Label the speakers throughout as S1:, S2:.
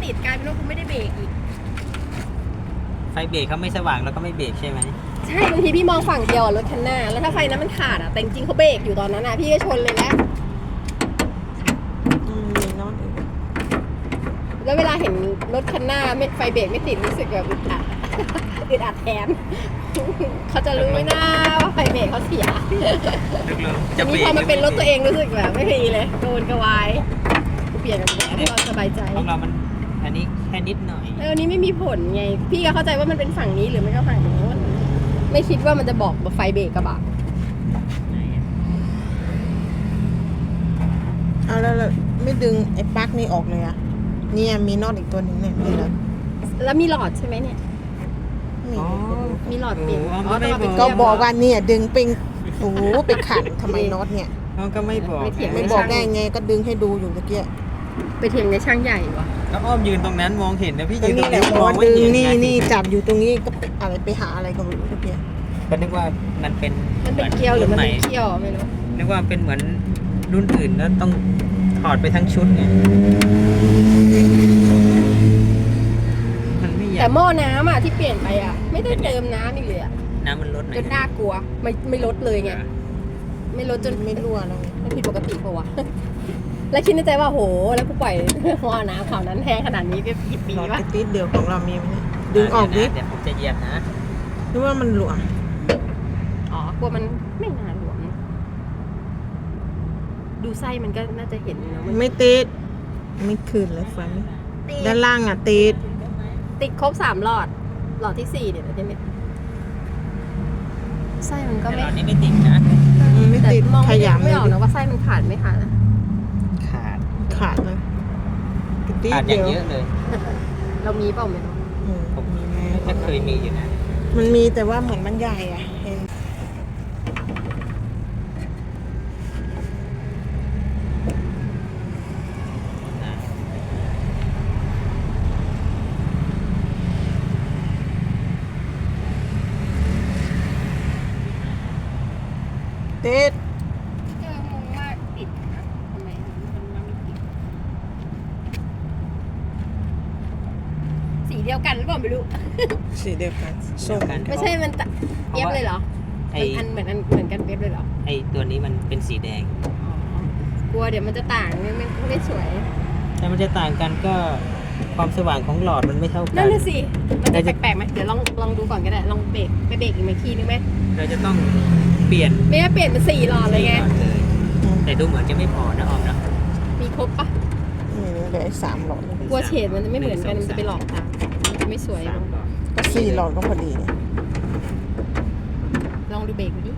S1: ติดกลายเป็นว่ากูไม่ได้เบรกอีก
S2: ไฟเบรกเขาไม่สว่างแล้วก็ไม่เบรกใช่ไหม
S1: ใช่บางทีพี่มองฝั่งเดียวรถคันหน้าแล้วถ้าไฟนั้นมันขาดแต่จริงๆเขาเบรกอยู่ตอนนั้นพี่ก็ชนเลยแล้วเวลาเห็นรถคันหน้าไม่ไฟเบรกไม่ติดรู้สึกแบบอึดอัดอึดอัดแทนเขาจะรู้ไหมนะว่าไฟเบรกเขาเสียจะมีพอมาเป็นรถตัวเองรู้สึกแบบไม่ดีเลยโดนกระวายกูเปลี่ยนกับแบบก็สบายใจ
S2: ของเรามันอันนี้แค่นิดหน่อย
S1: อันนี้ไม่มีผลไงพี่ก็เข้าใจว่ามันเป็นฝั่งนี้หรือไม่ก็ฝั่งโน้นไม่คิดว่ามันจะบอกไฟเบรกกระบะ
S3: เอาแล้วไม่ดึงไอ้ปลั๊กนี่ออกเลยอะเนี่ยมีน็อตอีกตัวหนึ่งเนี่ยนี่
S1: แล้วมีหลอดใช่ไหมเนี่ยมีหลอดเปลี่ยน
S3: ก็บอกว่าเนี่ยดึงเป็นโอ้ไปขันทำไมน็อตเนี่ย
S2: เขาก็ไม่บอก
S3: ไม่บอกได้ไงก็ดึงให้ดูอยู่เมื่อกี้
S1: ไปเถียงในช่างใหญ่วะ
S2: แล้วอ้อมยืนตรงนั้นมองเห็นนะพี่ยืนตรงนี้
S3: มองดึงนี่จับอยู่ตรงนี้ก็อะไรไปหาอะไรก็ไม่รู้เมื่อกี้
S2: ก็นึกว่ามันเป็น
S1: เกลียวหรือมันเป็นเกลียวไม่รู้
S2: นึกว่าเป็นเหมือนรุ่นอื่นแล้วต้องถอดไปทั้งชุดไง
S1: แต่หม้อน้ำที่เปลี่ยนไปไม่ได้เติมน้ำอีกเลย
S2: น้ำมันลด
S1: จนน่ากลัวไม่ลดเลยไงไม่ลดจน
S3: ไม่รั่วแล้ว
S1: มันผิดปกติปะวะแล้วคิดในใจว่าโหแล้วกูปล่อยหม้อน้ำข่าวนั้นแห้งขนาดนี้เป็นกี่ปีวะ
S3: ติดเดียวของเรามีไหมดึงออกนิด
S2: เดี๋ยวผมจะเหยียบนะ
S3: หรือว่ามันหลวม
S1: กลัวมันไม่นานหลวมดูไส้มันก็น่าจะเห็นนะ
S3: ไม่ติดไม่คืนเลยฟันด้านล่างติด
S1: ครบ3 หลอดที่4เดี๋ยวใช่ไหมไส้มันก็ไม่
S2: นี่ไม่ติดนะ
S3: ไม่ติด
S1: มองไม่ออกนะว่าไส้มันขาดไม่ขาด
S3: ขาดเลย
S2: ขาดอย่างเยอะเลย
S1: เรามีเปล่าไม่รู้
S2: ผมไม่เคยมีอยู่นะ
S3: มันมีแต่ว่าเหมือนมันใหญ่ติด
S1: งงมากติดนะทำไมมันไม่ติดสีเดียวกันหรือเปล่าไม่รู้
S3: สีเดียวกันส้มกัน
S1: ไม่ใช่มันเปียบเลยเหรออันเหมือนกันเปียบเลยเหรอ
S2: ไอตัวนี้มันเป็นสีแดง
S1: กลัวเดี๋ยวมันจะต่างไม่สวย
S2: แต่มันจะต่างกันก็ความสว่างของหลอดมันไม่เท่ากัน
S1: นั่นน่ะสิมันจะแปลกไหมเดี๋ยวลองดูก่อนก็ได้ลองเบรกอีกทีนึงไหม
S2: เราจะต้องเปลี่ยน
S1: ไม่เปลี่ยนเป็น4 หลอดเลยไง
S2: แต่ดูเหมือนจะไม่พอนะออมนะ
S1: มีครบปะ
S3: เหลือ3 หลอด
S1: กลัวเฉดมันจะไม่เหมือนกันมันจะไปหลอกตาจะไม่สวย
S3: ก็4 หลอดก็พอดี
S1: ลองดูเบรกดิ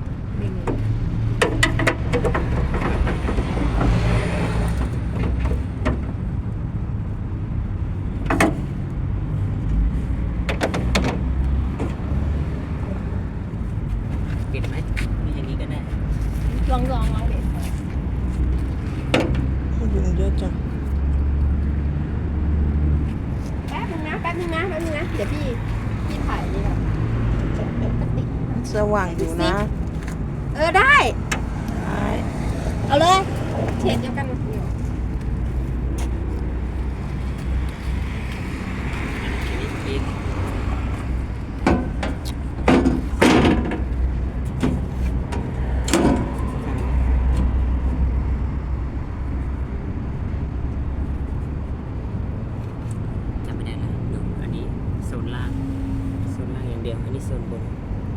S2: ปิดไหมมีอย่างนี้ก็ได้
S1: ลองเบรก
S3: ดึงเยอะจัง
S1: แป๊บนึงนะเดี๋ยวพี่ถ่ายนี่ก่อน
S3: สว่างอยู่นะ
S1: ได้เอาเลยเฉดเดียวกัน
S2: อันนี้โซนบน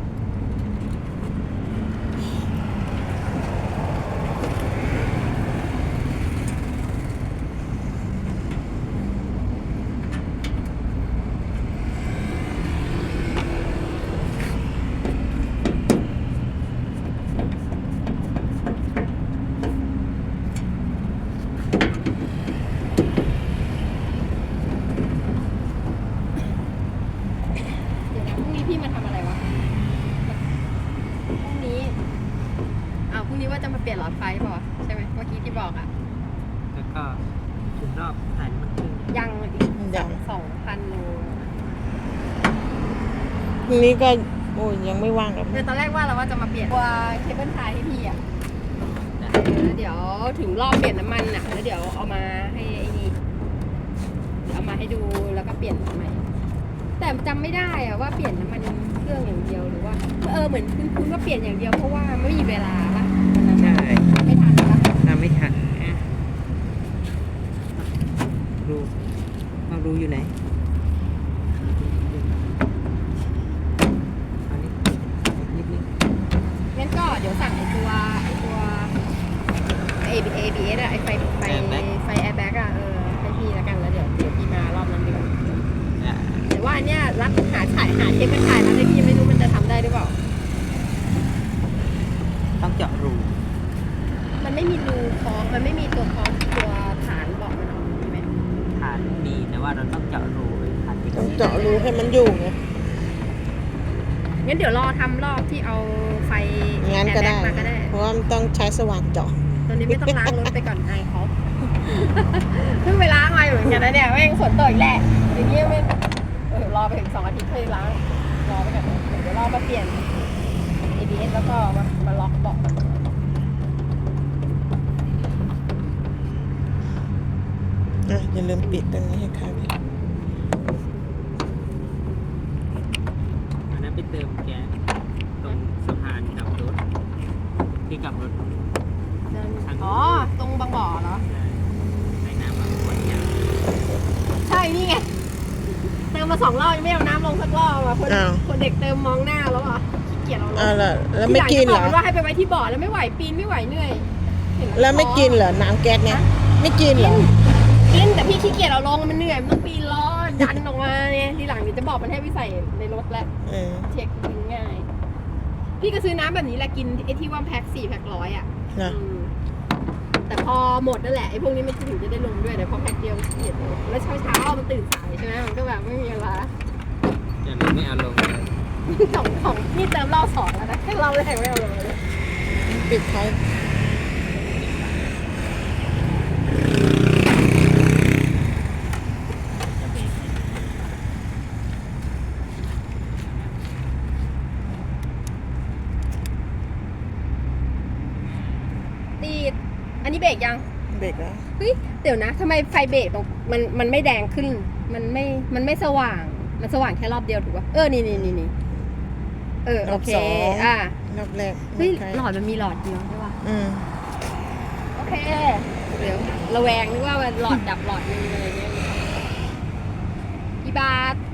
S1: พี่มาทำอะไรวะพรุ่งนี้ว่าจะมาเปลี่ยนหลอดไฟเปล่าใช่ไหมเมื่อกี้ที่บอก
S2: แล้วก็ถึงรอบถ่ายมันขึ้น
S1: ยังอีก2,000 โล
S3: พรุ่งนี้ก็ยังไม่ว่างกับ
S1: ตอนแรกว่าเราว่าจะมาเปลี่ยนตัวเคเบิลไทยให้พี่เดี๋ยวถึงรอบเปลี่ยนน้ำมันแล้วเดี๋ยวเอามาให้ไอ้นี่เอามาให้ดูแล้วก็เปลี่ยนใหม่ แต่จำไม่ได้อะว่าเปลี่ยนน้ำมันเครื่องอย่างเดียวหรือว่าเหมือนคุณว่าเปลี่ยนอย่างเดียวเพราะว่าไม่มีเวลาปะวันนั้น
S2: ใช่
S1: ไม่ทันปะ
S2: ทำไม่ทันอ่ะรูเอารูอยู่ไหนอันนี้นิดนึง
S1: งั้นก็เดี๋ยวสั่งไอตัวABS อะไอไฟแอร์แบ็กอะให้พี่แล้วกันแล้วเดี๋ยวพี่มารอบนั้นดีกว่า
S2: อ่ะ
S1: แต่ว่าอันเนี้ยรับหาเทปเป็นถ่ายแล้วให้พี่ไม่รู้มันจะทำได้หรือเปล่า
S2: ต้องเจาะรู
S1: มันไม่มีรูคล้องมันไม่มีตัวคล้องตัวฐานเบอกมันออกใช่ไหม
S2: ฐานมีแต่ว่าเราต้องเจาะรูไว้ฐานที่
S3: ต้องเจาะรูให้มันอยู่ไง
S1: งั้นเดี๋ยวรอทำรอบที่เอาไฟ
S3: งั้นก็ได้
S1: แอร์แบ็คมาก็ได้
S3: เพราะว่ามันต้องใช้สว่านเจาะ
S1: ตอนนี้ไม่ต้องล้างรถไปก่อนไอายเขาเพิ่งไปล้างมาอยู่เหมือนกันนะเนี่ยแม่งฝนตกอีกแหละอย่างเงี้ยไม่รอไปถึง2 อาทิตย์ค่อยล้างรอไปก่อนเดี๋ยวรอมาเปลี่ยน ABS แล้วก็มาล็อกเบาะ
S3: อย่าลืมปิดตรงนี้ให้ค่ะพี่
S2: อันนั้นไปเติมแก๊สตรงสะพานกลับรถที่กลับรถ
S1: อ๋อตรงบางบ่อเหรอ
S2: ใส่น้ำมาขวดยาว
S1: ใช่นี่ไงเติมมา2 รอบยังไม่เอาน้ำลงสักรอบอ่ะคนเด็กเติมมองหน้าแล้วอ่ะขี้เกียจเอาลง
S3: แล้วไม่กินเหรอ
S1: ที่ลังจะบว่าให้ไปไว้ที่บ่อแล้วไม่ไหวปีนไม่ไหวเหนื่อยเห็น
S3: แล้วไม่กินเหรอ น้ำแก๊สเนี่ย ไม่กินเหรอ
S1: กินแต่พี่ขี้เกียจเอาลงมันเหนื่อยมันต้องปีนล้อดันออกมาเนี่ยทีหลังเดี๋ยวจะบอกมันให้ไปใส่ในรถแล้ว
S3: เออ
S1: เช็คกินง่าย พี่ก็ซื้อน้ำแบบนี้แหละกินไอ้ที่ว่าแพ็ค4 แพ็ค 100อ่ะ
S3: นะ
S1: แต่พอหมดนั่นแหละไอ้พวกนี้มันถึงจะได้ลงด้วยแต่พอแพ็คเดียวขี้เกียจลงแล้วเช้ามันตื่นสายใช่ไหมมันก็แบบไม่มีเวลา
S2: จะไม่เอาลงเลย
S1: ของนี่เติมรอบ2แล้วนะแค่รอบแรกไม่เอาลงเลย
S3: ปิดไฟ
S1: ตีดอันนี้เบรกยัง
S3: เบรกแล้ว
S1: เฮ้ยเดี๋ยวนะทำไมไฟเบรกตรงมันไม่แดงขึ้น มันไม่สว่าง มันสว่างแค่รอบเดียวถูกป่ะนี่โอเคอ่ะ
S3: รอบแรก
S1: เฮ้ย
S3: ใช่
S1: หลอดมันมีหลอดเดียวใช่ป่ะ
S3: อืม
S1: โอเคเดี๋ยวระแวงนึกว่ามันหลอดดับหลอดนึงอะไรเงี้ยกี่บาท